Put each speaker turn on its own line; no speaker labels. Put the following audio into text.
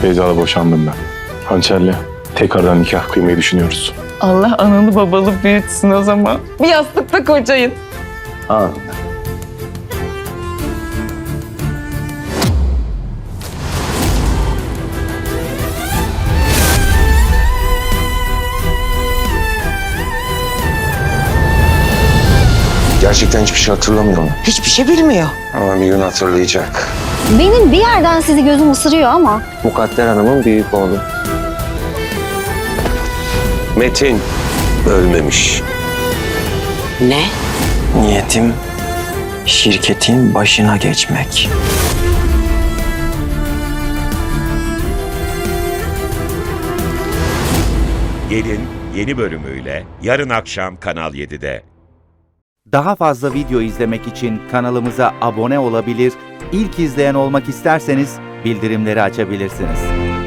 Beyza'la boşandım ben. Hançer'le tekrardan nikah kıymayı düşünüyoruz.
Allah analı babalı büyütsün o zaman. Bir yastıkta kocayın.
Ha.
Gerçekten hiçbir şey hatırlamıyor mu?
Hiçbir şey bilmiyor.
Ama bir gün hatırlayacak.
Benim bir yerden sizi gözüm ısırıyor ama
Mukadder Hanım'ın büyük oğlu. Metin ölmemiş.
Ne?
Niyetim şirketin başına geçmek.
Gelin yeni bölümüyle yarın akşam Kanal 7'de.
Daha fazla video izlemek için kanalımıza abone olabilir, ilk izleyen olmak isterseniz bildirimleri açabilirsiniz.